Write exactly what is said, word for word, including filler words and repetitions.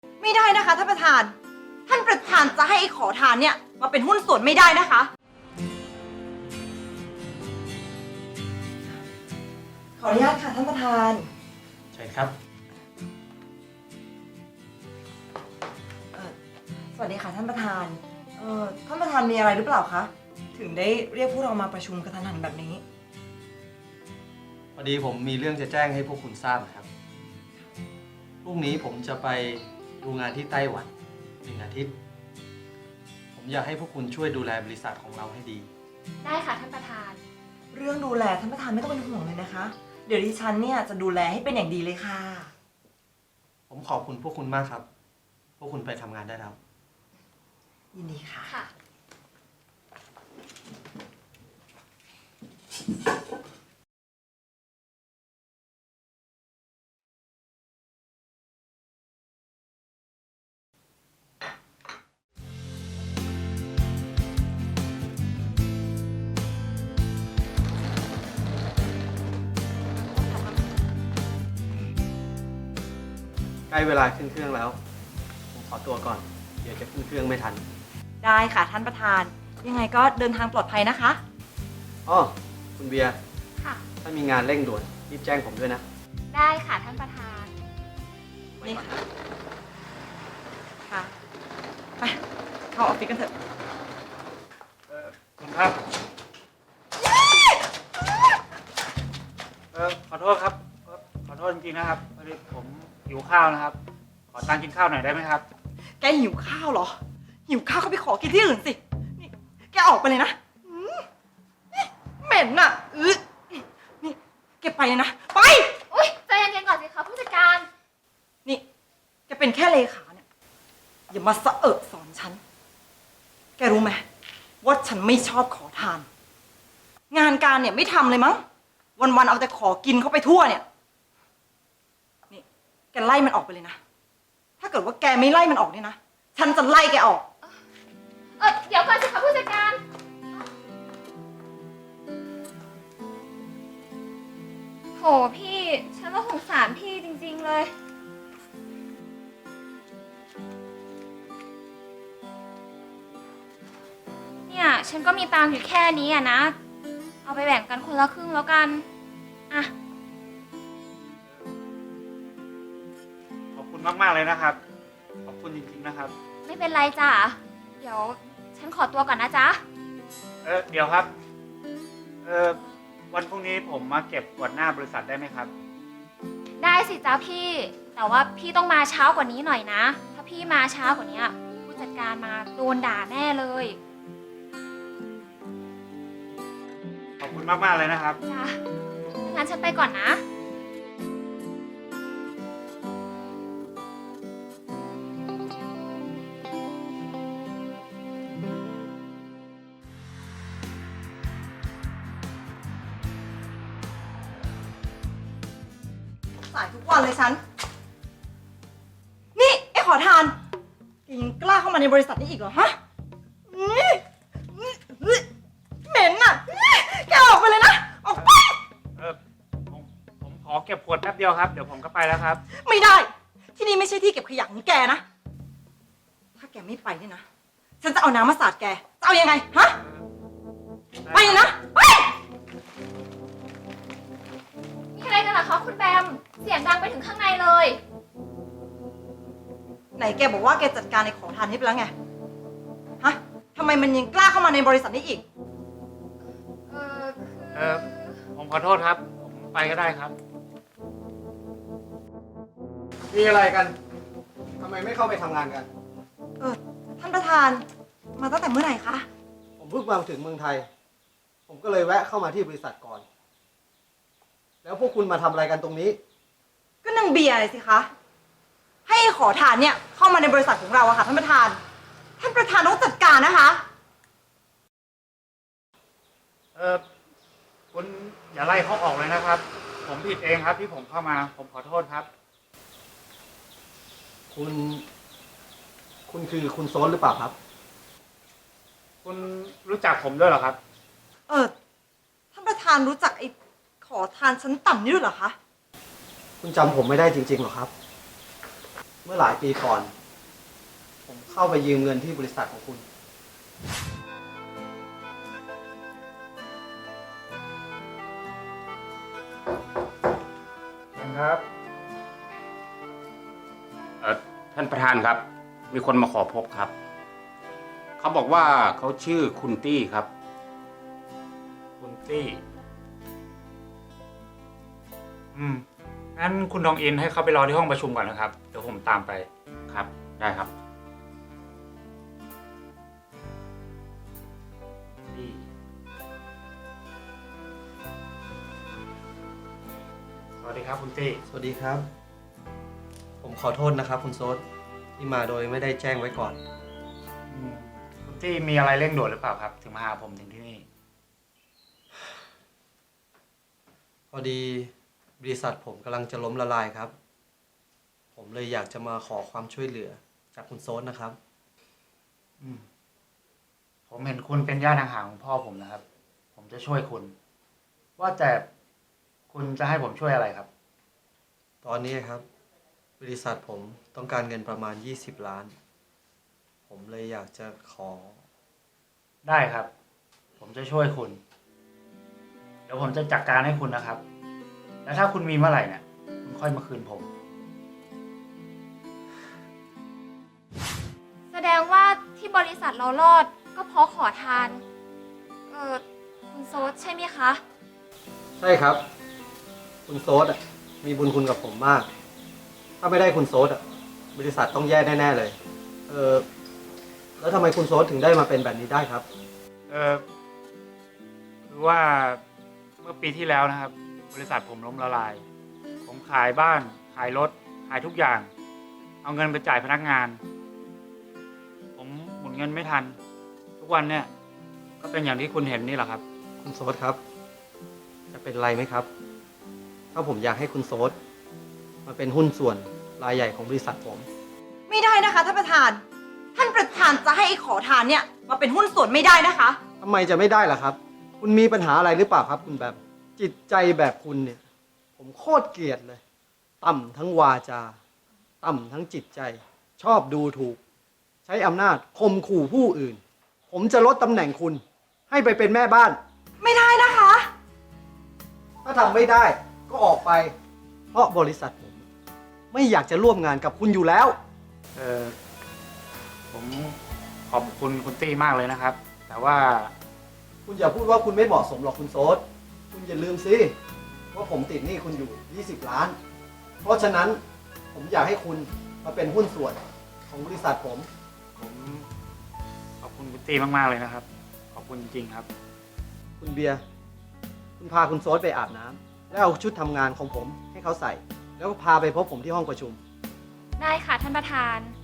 ไม่ได้นะคะท่านประธาน ท่านประธานจะให้ไอ้ขอทานเนี่ยมาเป็นหุ้นส่วนไม่ได้นะคะ ขออนุญาตค่ะท่านประธานใช่ครับเอ่อสวัสดีค่ะท่านประธาน เอ่อท่านประธานมีอะไรหรือเปล่าคะ ถึงได้เรียกพวกเรามาประชุมกระทันหันแบบนี้พอดีผมมีเรื่องจะแจ้งให้พวกคุณทราบนะครับ พรุ่งนี้ผมจะไปดูงานที่ไต้หวันหนึ่งอาทิตย์ ผมอยากให้พวกคุณช่วยดูแลบริษัทของเราให้ดีได้ค่ะท่านประธานเรื่องดูแลท่านประธานไม่ต้องเป็นห่วงเลยนะคะ เดี๋ยวดิฉันเนี่ยจะดูแลให้เป็นอย่างดีเลยค่ะผมขอบคุณพวกคุณมากครับ พวกคุณไปทำงานได้แล้วยินดีค่ะค่ะใกล้เวลาขึ้นเครื่องแล้ว ผมขอตัวก่อน เดี๋ยวจะขึ้นเครื่องไม่ทันได้ค่ะท่านประธาน ยังไงก็เดินทางปลอดภัยนะคะอ้อ คุณเบียร์ค่ะถ้ามีงานเร่งด่วนรีบแจ้งผมด้วยนะได้ค่ะท่านประธานนี่ค่ะ ค่ะ ไป เข้าออฟฟิศกันเถอะคุณครับ เออขอโทษครับ ขอโทษจริงๆนะครับพอดีผมหิวข้าวนะครับ ขอตังค์กินข้าวหน่อยได้ไหมครับแกหิวข้าวเหรอ หิวข้าวก็ไปขอกินที่อื่นสิ นี่ แกออกไปเลยนะอืมนี่เหม็นอ่ะอือนี่แกไปเลยนะ ไปอุ้ยใจเย็นๆก่อนสิคะผู้จัดการนี่ แกเป็นแค่เลขาเนี่ย อย่ามาสะเอะสอนฉัน แกรู้ไหมว่าฉันไม่ชอบขอทาน งานการเนี่ยไม่ทำเลยมั้ง วันๆเอาแต่ขอกินเข้าไปทั่วเนี่ย นี่ แกไล่มันออกไปเลยนะ ถ้าเกิดว่าแกไม่ไล่มันออกเนี่ยนะ ฉันจะไล่แกออกเออเดี๋ยวก่อนสิคะผู้จัดการโหพี่ ฉันว่าสงสารพี่จริงๆเลย เนี่ย ฉันก็มีตังค์อยู่แค่นี้อะนะ เอาไปแบ่งกันคนละครึ่งแล้วกัน อ่ะขอบคุณมากๆเลยนะครับ ขอบคุณจริงๆนะครับไม่เป็นไรจ้ะ เดี๋ยวฉันขอตัวก่อนนะจ๊ะเออเดี๋ยวครับ เออวันพรุ่งนี้ผมมาเก็บกวาดหน้าบริษัทได้ไหมครับได้สิจ้าพี่ แต่ว่าพี่ต้องมาเช้ากว่านี้หน่อยนะ ถ้าพี่มาช้ากว่านี้ผู้จัดการมาโดนด่าแน่เลยขอบคุณมากๆเลยนะครับจ้ะงั้นฉันไปก่อนนะสายทุกวันเลยฉัน นี่ไอ้ขอทานแกยังกล้าเข้ามาในบริษัทนี้อีกเหรอฮะอื้ออื้อเหม็นอ่ะอื้อแกออกไปเลยนะ ออกไปเออผมผมขอเก็บขวดแป๊บเดียวครับ เดี๋ยวผมก็ไปแล้วครับไม่ได้ ที่นี่ไม่ใช่ที่เก็บขยะของแกนะ ถ้าแกไม่ไปเนี่ยนะ ฉันจะเอาน้ำมาสาดแก จะเอายังไง ฮะ ไปเลยนะ ไปมีอะไรกันเหรอคะคุณแบม เสียงดังไปถึงข้างในเลยไหนแกบอกว่าแกจัดการในขอทานนี้ไปแล้วไง ฮะทำไมมันยังกล้าเข้ามาในบริษัทนี้อีกเออคือเออผมขอโทษครับ ผมไปก็ได้ครับมีอะไรกัน ทำไมไม่เข้าไปทำงานกันเออ ท่านประธาน มาตั้งแต่เมื่อไหร่คะผมเพิ่งมาถึงเมืองไทย ผมก็เลยแวะเข้ามาที่บริษัทก่อน แล้วพวกคุณมาทำอะไรกันตรงนี้ก็นางเบียร์สิคะ ให้ขอทานเนี่ยเข้ามาในบริษัทของเราอะค่ะท่านประธาน ท่านประธานต้องจัดการนะคะเออคุณอย่าไล่เขาออกเลยนะครับ ผมผิดเองครับที่ผมเข้ามา ผมขอโทษครับคุณ คุณคือคุณโซนหรือเปล่าครับคุณรู้จักผมด้วยเหรอครับเออ ท่านประธานรู้จักไอ้ขอทานชั้นต่ำนี่ด้วยเหรอคะคุณจำผมไม่ได้จริงๆหรอครับเมื่อหลายปีก่อน ผมเข้าไปยืมเงินที่บริษัทของคุณครับเออท่านประธานครับ มีคนมาขอพบครับ เขาบอกว่าเขาชื่อคุณตี้ครับคุณตี้ อืม งั้นคุณทองอินให้เขาไปรอที่ห้องประชุมก่อนนะครับ เดี๋ยวผมตามไปครับ ได้ครับตี้สวัสดีครับคุณตี้สวัสดีครับ ผมขอโทษนะครับ คุณโซดที่มาโดยไม่ได้แจ้งไว้ก่อนอืมคุณตี้มีอะไรเร่งด่วนหรือเปล่าครับ ถึงมาหาผมถึงที่นี่พอดีบริษัทผมกำลังจะล้มละลายครับ ผมเลยอยากจะมาขอความช่วยเหลือจากคุณโซดนะครับอืม ผมเห็นคุณเป็นญาติห่างๆของพ่อผมนะครับ ผมจะช่วยคุณ ว่าแต่คุณจะให้ผมช่วยอะไรครับตอนนี้ครับ บริษัทผมต้องการเงินประมาณยี่สิบล้าน ผมเลยอยากจะขอได้ครับ ผมจะช่วยคุณ เดี๋ยวผมจะจัดการให้คุณนะครับ แล้วถ้าคุณมีเมื่อไหร่เนี่ยคุณค่อยมาคืนผมแสดงว่าที่บริษัทเรารอดก็เพราะขอทาน เออคุณโซดใช่ไหมคะใช่ครับ คุณโซดอ่ะมีบุญคุณกับผมมาก ถ้าไม่ได้คุณโซดอ่ะบริษัทต้องแย่แน่ๆเลย เออแล้วทำไมคุณโซดถึงได้มาเป็นแบบนี้ได้ครับเออคือว่าเมื่อปีที่แล้วนะครับ บริษัทผมล้มละลาย ผมขายบ้าน ขายรถ ขายทุกอย่าง เอาเงินไปจ่ายพนักงาน ผมหมุนเงินไม่ทัน ทุกวันเนี่ย ก็เป็นอย่างที่คุณเห็นนี่แหละครับคุณโซดครับ จะเป็นไรไหมครับ ถ้าผมอยากให้คุณโซดมาเป็นหุ้นส่วนรายใหญ่ของบริษัทผมไม่ได้นะคะท่านประธาน ท่านประธานจะให้ไอ้ขอทานเนี่ยมาเป็นหุ้นส่วนไม่ได้นะคะทำไมจะไม่ได้ล่ะครับ คุณมีปัญหาอะไรหรือเปล่าครับ คุณแบบ จิตใจแบบคุณเนี่ย ผมโคตรเกลียดเลย ต่ำทั้งวาจา ต่ำทั้งจิตใจ ชอบดูถูก ใช้อำนาจข่มขู่ผู้อื่น ผมจะลดตำแหน่งคุณ ให้ไปเป็นแม่บ้านไม่ได้นะคะถ้าทำไม่ได้ก็ออกไป เพราะบริษัทผม ไม่อยากจะร่วมงานกับคุณอยู่แล้วเออผมขอบคุณคุณตี้มากเลยนะครับ แต่ว่าคุณอย่าพูดว่าคุณไม่เหมาะสมหรอกคุณโซดคุณอย่าลืมสิว่าผมติดหนี้คุณอยู่ยี่สิบล้าน เพราะฉะนั้นผมอยากให้คุณมาเป็นหุ้นส่วนของบริษัทผมผมขอบคุณคุณตี้มากๆเลยนะครับ ขอบคุณจริงๆครับคุณเบียร์ คุณพาคุณโซดไปอาบน้ำแล้วเอาชุดทำงานของผมให้เขาใส่ แล้วก็พาไปพบผมที่ห้องประชุมได้ค่ะท่านประธาน